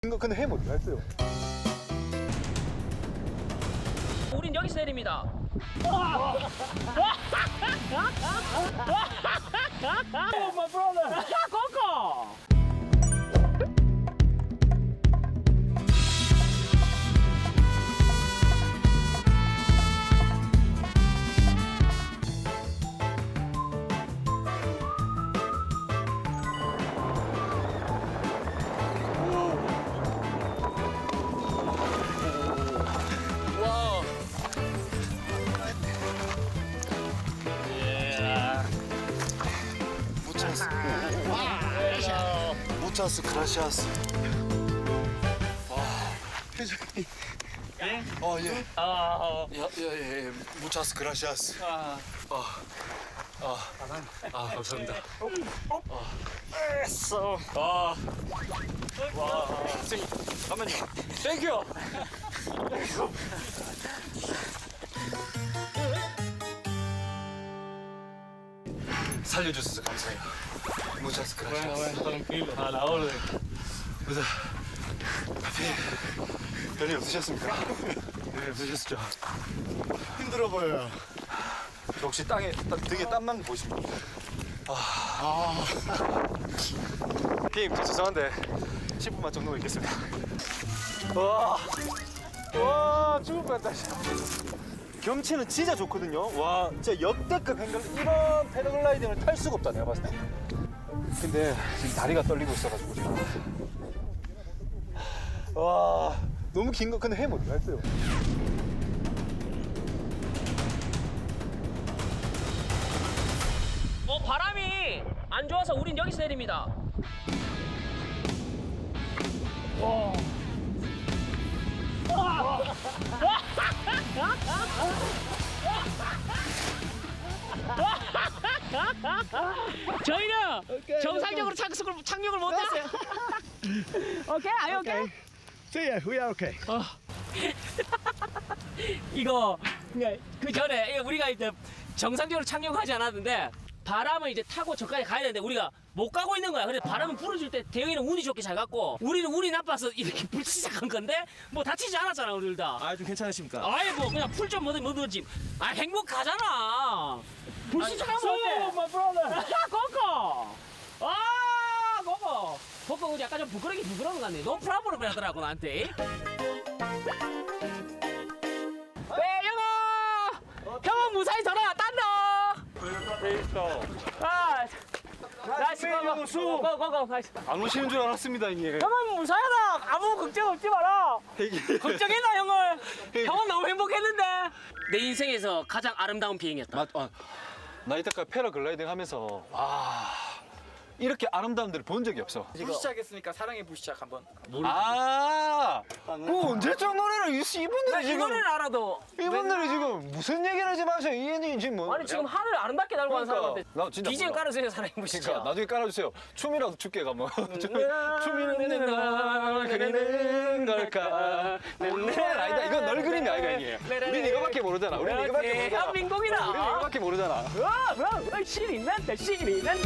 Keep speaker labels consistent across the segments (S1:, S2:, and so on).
S1: 이거 근데 해못 했어요.
S2: 우린 여기서 내립니다. Oh, my brother. Coco.
S1: 무차스 그라시아스. 회장님.
S2: 예?
S1: 예. 예. 무차스 그라시아스. 감사합니다.
S2: 됐어. 와. 선생님, 잠깐만요. 땡큐.
S1: 살려주셔서 감사해요. 무차스 그라시아스.
S2: tranquilo. A la orden.
S1: 그래서 별일 없으셨습니까? 별일 없으셨죠? 힘들어 보여요. 혹시 등에 땀만 보십니까? 피임, 저 죄송한데 10분만 정도 있겠습니다. 와, 죽을 것 같다. 경치는 진짜 좋거든요. 와, 진짜 역대급 이런 패러글라이딩을 탈 수가 없다, 내가 봤을 때. 근데 지금 다리가 떨리고 있어가지고 지금. 와, 너무 긴 거 근데 해 못 했어요.
S2: 바람이 안 좋아서 우린 여기서 내립니다. 저희는 정상적으로 착륙을 못했어요. 오케이, 아유 오케이.
S1: See ya, we are okay.
S2: 이거 그 전에 우리가 이제 정상적으로 착륙하지 않았는데 바람을 이제 타고 저까지 가야 되는데 우리가 못 가고 있는 거야. 그래서 바람을 불어줄 때 대영이는 운이 좋게 잘 갔고 우리는 운이 나빠서 이렇게 불 시작한 건데 뭐 다치지 않았잖아 우리 둘 다.
S3: 아, 좀 괜찮으십니까?
S2: 아이 뭐 그냥 풀 좀 묻었지. 아 행복하잖아. 불 시작하면 어때? my brother. 코코. 코코 우리 약간 좀 부끄러운 것 같네. 너 프라브로 하더라고 나한테. 형은 무사히 전화 딴다. 나이스 고고 나이스.
S1: 안 오시는 줄 알았습니다, 형님.
S2: 형은 무사하다. 아무 걱정 없지 마라. 걱정했나 형을? 형은 너무 행복했는데. 내 인생에서 가장 아름다운 비행이었다.
S1: 나 이때까지 패러글라이딩 하면서 이렇게 아름다운 데를 본 적이 없어.
S3: 부시작했으니까 사랑의 부시작 한번.
S1: 그 언제적 노래를 이분들이
S2: 이
S1: 지금
S2: 노래를 알아도.
S1: 이분들이 지금 무슨 얘기를 하지 마세요. 이 애니 지금 뭐?
S2: 아니 지금 하늘 아름답게 날고 가는 사람한테
S1: 나 진짜
S2: BGM
S1: 몰라.
S2: 깔아주세요 사랑해 보시죠.
S1: 그러니까 나중에 깔아주세요. 춤이라도 춥게 가면 춤이는 널 그리는 걸까? 아니다. 이건 널 그림이 아이가 이게. 우린 이거밖에 모르잖아. 우린 이거밖에 모르잖아.
S2: 대한민국이다.
S1: 우린 이거밖에 모르잖아.
S2: 신이 난다 신이 난다.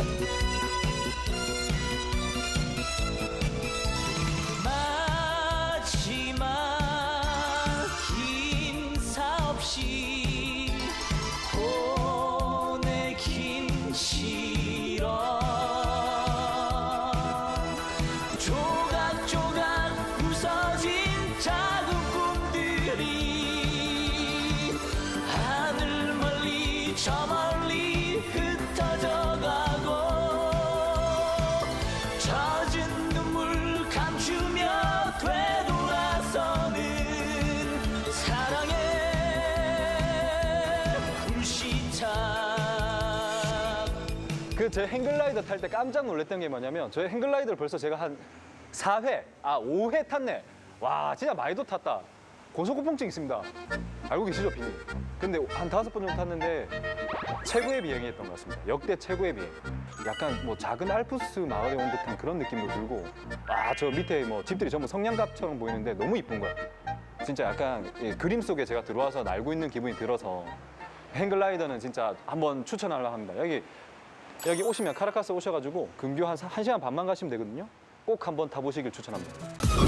S2: 마지막 인사 없이 보내긴 싫어. 조각조각 부서진 작은 꿈들이 하늘 멀리 저 멀리 흩어져 가고 젖은 눈물 감추며 되돌아서는 사랑의 불시착.
S1: 제 행글라이더 탈 때 깜짝 놀랐던 게 뭐냐면 저의 행글라이더를 벌써 제가 한 5회 탔네. 와, 진짜 많이도 탔다. 고소고통증 있습니다. 알고 계시죠, 비님? 근데 한 5번 정도 탔는데 최고의 비행이었던 것 같습니다. 역대 최고의 비행. 약간 뭐 작은 알프스 마을에 온 듯한 그런 느낌도 들고 저 밑에 뭐 집들이 전부 성냥갑처럼 보이는데 너무 이쁜 거야. 진짜 약간 그림 속에 제가 들어와서 날고 있는 기분이 들어서 행글라이더는 진짜 한번 추천하려고 합니다. 여기 오시면 카라카스 오셔가지고 근교 한 1시간 반만 가시면 되거든요. 꼭 한번 타보시길 추천합니다.